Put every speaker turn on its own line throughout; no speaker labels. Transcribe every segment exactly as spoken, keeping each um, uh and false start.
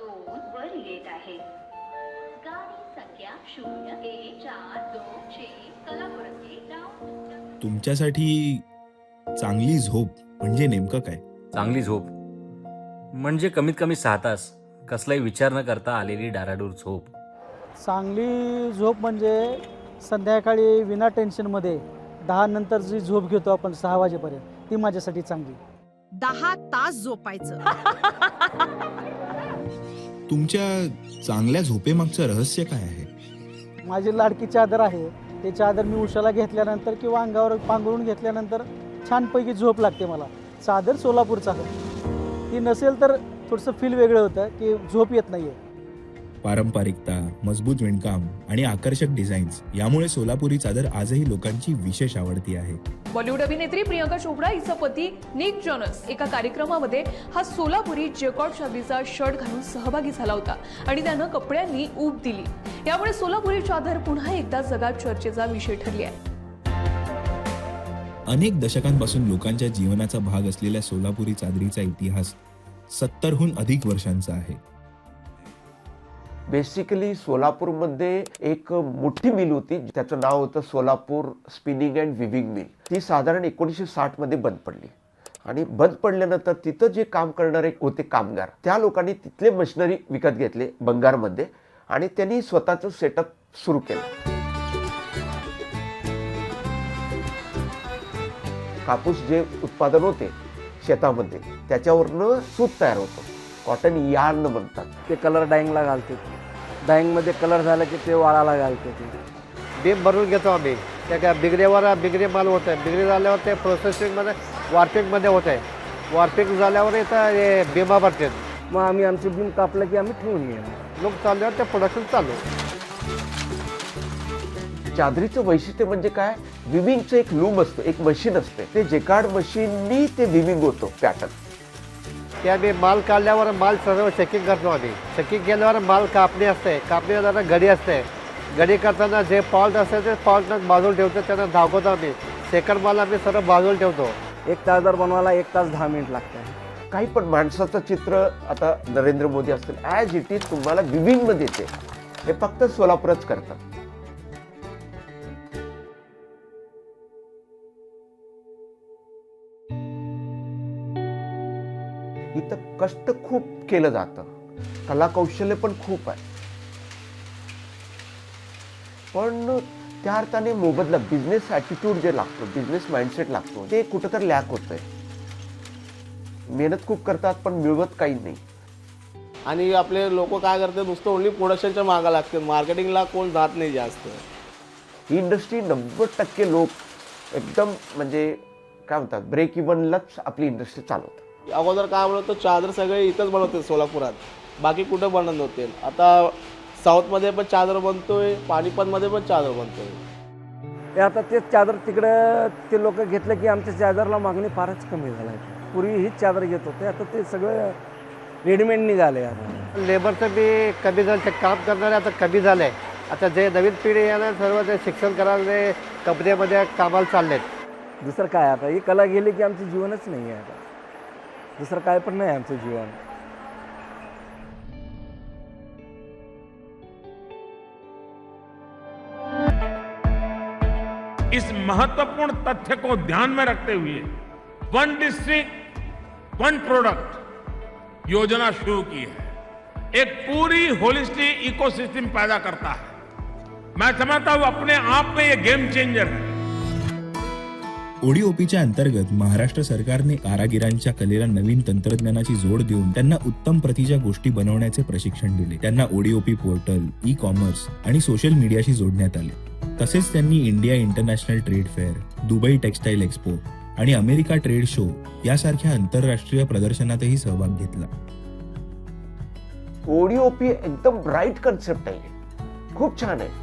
दोन वर येत आहे. गाडी संख्या शून्य एक चार दोन चे कलापुरती डाऊन.
तुमच्यासाठी चांगली झोप म्हणजे नेमकं काय?
चांगली झोप म्हणजे कमीत कमी सहा तास कसलाही विचार न करता आलेली डाराडूर झोप.
चांगली झोप म्हणजे संध्याकाळी विना टेन्शनमध्ये दहा नंतर जी झोप घेतो आपण सहा वाजेपर्यंत, ती माझ्यासाठी चांगली.
दहा तास झोपायचं.
तुमच्या चांगल्या झोपेमागचं रहस्य काय आहे?
माझी लाडकी चादर आहे, ते चादर मी उशाला घेतल्यानंतर किंवा अंगावर पांघरून घेतल्यानंतर छानपैकी झोप लागते मला. चादर सोलापूरचा आहे, ती नसेल तर थोडंसं फील वेगळं होतं की झोप येत नाही आहे.
पारंपरिकता, मजबूत विणकाम आणि आकर्षक डिझाईन्स यामुळे सोलापुरी चादर आजही लोकांची विशेष आवडती आहे.
बॉलिवूड अभिनेत्री प्रियंका चोपडा हिचा पती निक जॉनस एका कार्यक्रमामध्ये हा सोलापुरी जॅकॉट चादरीचा शर्ट घालून सहभागी झाला होता आणि त्यानं कपड्यांनी ऊब दिली. यामुळे सोलापुरी चादर पुन्हा एकदा जगात चर्चेचा विषय ठरली आहे.
अनेक दशकांपासून लोकांच्या जीवनाचा भाग असलेल्या सोलापुरी चादरीचा इतिहास सत्तरहून अधिक वर्षांचा आहे.
बेसिकली सोलापूरमध्ये एक मोठी मिल होती, त्याचं नाव होतं Solapur spinning and weaving mill. ती साधारण एकोणीसशे साठ मध्ये बंद पडली आणि बंद पडल्यानंतर तिथं जे काम करणारे होते कामगार, त्या लोकांनी तिथले मशिनरी विकत घेतले बंगारमध्ये आणि त्यांनी स्वतःचं सेटअप सुरू केलं. कापूस जे उत्पादन होते शेतामध्ये त्याच्यावरनं सूत तयार होतं, कॉटन यार्न म्हणतात.
ते कलर डाईंगला घालते, डाईंगमध्ये कलर झाला की ते वाळाला घालते. ते
बीम भरून घेतो आम्ही. त्या काय बिगरेवर बिगरे माल होत आहे, बिगरे झाल्यावर ते प्रोसेसिंगमध्ये वॉर्पिंगमध्ये होत आहे, वॉर्पिंग झाल्यावर इथं हे बिमा भरते.
मग आम्ही आमचे बीम कापलं की आम्ही ठेवून घेणार.
लोक चालल्यावर ते प्रोडक्शन चालू.
चादरीचं वैशिष्ट्य म्हणजे काय, विविंगचं एक लूम असतं, एक मशीन असते, ते जेकार्ड मशीननी ते विविंग होतं पॅटर्न.
ते आम्ही माल काढल्यावर माल सर्व चेकिंग करतो आम्ही. चेकिंग केल्यावर माल कापणी असते, कापणी झाल्यावर गडी असते. गडी करताना जे फॉल्ट असते ते फॉल्ट बाजूला ठेवतो, त्यांना धावतो आम्ही. सेकंड माल आम्ही सर्व बाजूला ठेवतो.
एक चादर बनवायला एक तास दहा मिनिट लागतात.
काही पण माणसाचं चित्र आता नरेंद्र मोदी असतील, ॲज इट इज तुम्हाला विविंगमध्ये येते. हे फक्त सोलापूरच करतात. इथं कष्ट खूप केलं जातं, कला कौशल्य पण खूप आहे, पण त्या अर्थाने मोबदला बिझनेस ॲटिट्यूड जे लागतो, बिझनेस माइंडसेट लागतो, ते कुठं तर लॅक होतंय. मेहनत खूप करतात पण मिळवत काही नाही.
आणि आपले लोक काय करतात, नुसतं ओन्ली प्रोडक्शनच्या मागं लागते, मार्केटिंगला कोण जात नाही जास्त.
ही इंडस्ट्री नव्वद टक्के लोक एकदम म्हणजे काय म्हणतात ब्रेक इव्हनलाच आपली इंडस्ट्री चालवतात.
अगोदर काय बनवतो, चादर सगळे इथंच बनवते सोलापुरात, बाकी कुठं बनत नव्हते. आता साऊथमध्ये पण चादर बनतोय, पानिपतमध्ये पण चादर बनतोय.
ते आता तेच चादर तिकडं ते लोक घेतलं की आमच्या चादरला मागणी फारच कमी झाली. पूर्वी हीच चादर घेत होते, आता ते सगळं रेडीमेड निघाले. आता
लेबरचं बी कमी झालं, ते काम करणारे आता कमी झाले. आता जे नवीन पिढी येणार सर्व ते शिक्षण करायला कंपनीमध्ये कामाला चाललेत.
दुसरं काय, आता ही कला गेली की आमचं जीवनच नाही आहे. आता दुसरं काय पण नाही आमचं जीवन.
इस महत्वपूर्ण तथ्य को ध्यान में रखते हुए वन डिस्ट्रिक्ट वन प्रोडक्ट योजना शुरू की है. एक पूरी होलिस्टिक इकोसिस्टम पैदा करता है. मैं समझता हूं अपने आप में ये गेम चेंजर है.
ओडीओपीच्या अंतर्गत महाराष्ट्र सरकारने कारागिरांच्या कलेला नवीन तंत्रज्ञानाची जोड देऊन त्यांना उत्तम प्रतीच्या गोष्टी बनवण्याचे प्रशिक्षण दिले. त्यांना ओडीओपी पोर्टल, ई कॉमर्स आणि सोशल मीडियाशी जोडण्यात आले. तसेच त्यांनी India international trade fair, Dubai textile expo आणि अमेरिका ट्रेड शो यासारख्या आंतरराष्ट्रीय प्रदर्शनातही सहभाग घेतला.
ओडीओपी एकदम ब्राईट कन्सेप्ट आहे, खूप छान आहे.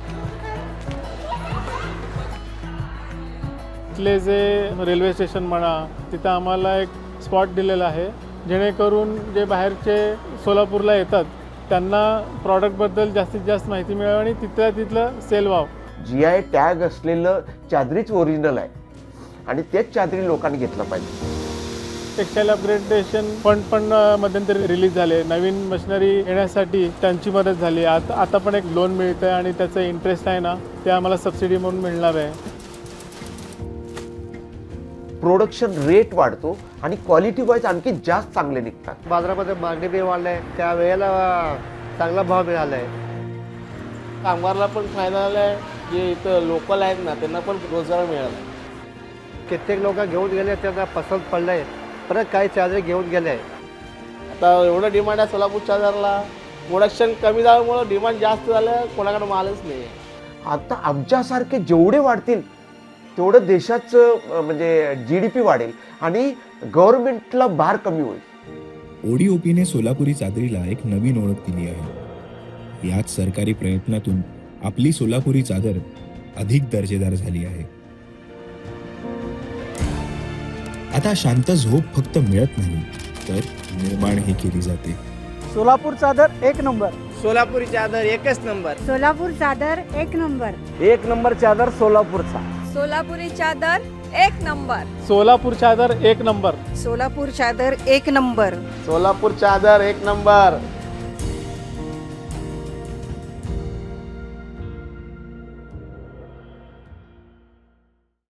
तिथले जे रेल्वे स्टेशन म्हणा, तिथं आम्हाला एक स्पॉट दिलेला आहे, जेणेकरून जे बाहेरचे सोलापूरला येतात त्यांना प्रॉडक्टबद्दल जास्तीत जास्त माहिती मिळावी आणि तिथल्या तिथलं सेल व्हावं.
जी आय टॅग असलेलं चादरीच ओरिजिनल आहे आणि तेच चादरी लोकांनी घेतलं पाहिजे.
टेक्सटाईल अपग्रेडेशन फंड पण अ, मध्यंतरी रिलीज झाले. नवीन मशिनरी येण्यासाठी त्यांची मदत झाली. आता आता पण एक लोन मिळतं आणि त्याचं इंटरेस्ट आहे ना ते आम्हाला सबसिडी म्हणून मिळणार आहे.
प्रोडक्शन रेट वाढतो आणि क्वालिटी वाईज आणखी जास्त चांगले निघतात.
बाजारामध्ये मागणी बी वाढली आहे, त्या वेळेला चांगला भाव मिळाला आहे.
कामगारला पण फायदा झाला आहे, जे इथं लोकल आहेत ना त्यांना पण रोजगार मिळाला.
कित्येक लोक घेऊन गेले, त्यांना पसंत पडलं आहे, परत काही चादर घेऊन गेले आहे.
आता एवढं डिमांड आहे सोलापूर चादरला, प्रोडक्शन कमी झाल्यामुळं डिमांड जास्त झालं, कोणाकडे मालच नाही आहे.
आता आमच्यासारखे जेवढे वाढतील तेवढं देशाचं म्हणजे जी डी पी वाढेल आणि गव्हर्नमेंटला भार कमी होईल.
ओडीओपीने सोलापुरी चादरीला एक नवीन ओळख दिली आहे. याच सरकारी प्रयत्नातून आपली सोलापुरी चादर अधिक दर्जेदार झाली आहे. आता शांत झोप फक्त मिळत नाही तर निर्माणही केली जाते.
सोलापूर चादर एक नंबर.
सोलापुरी चादर एकच नंबर.
सोलापूर चादर एक नंबर.
एक नंबर चादर सोलापूरचा.
सोलापुरी चादर एक नंबर.
सोलापूर चादर एक नंबर.
सोलापूर चादर एक नंबर.
सोलापूर चादर एक नंबर.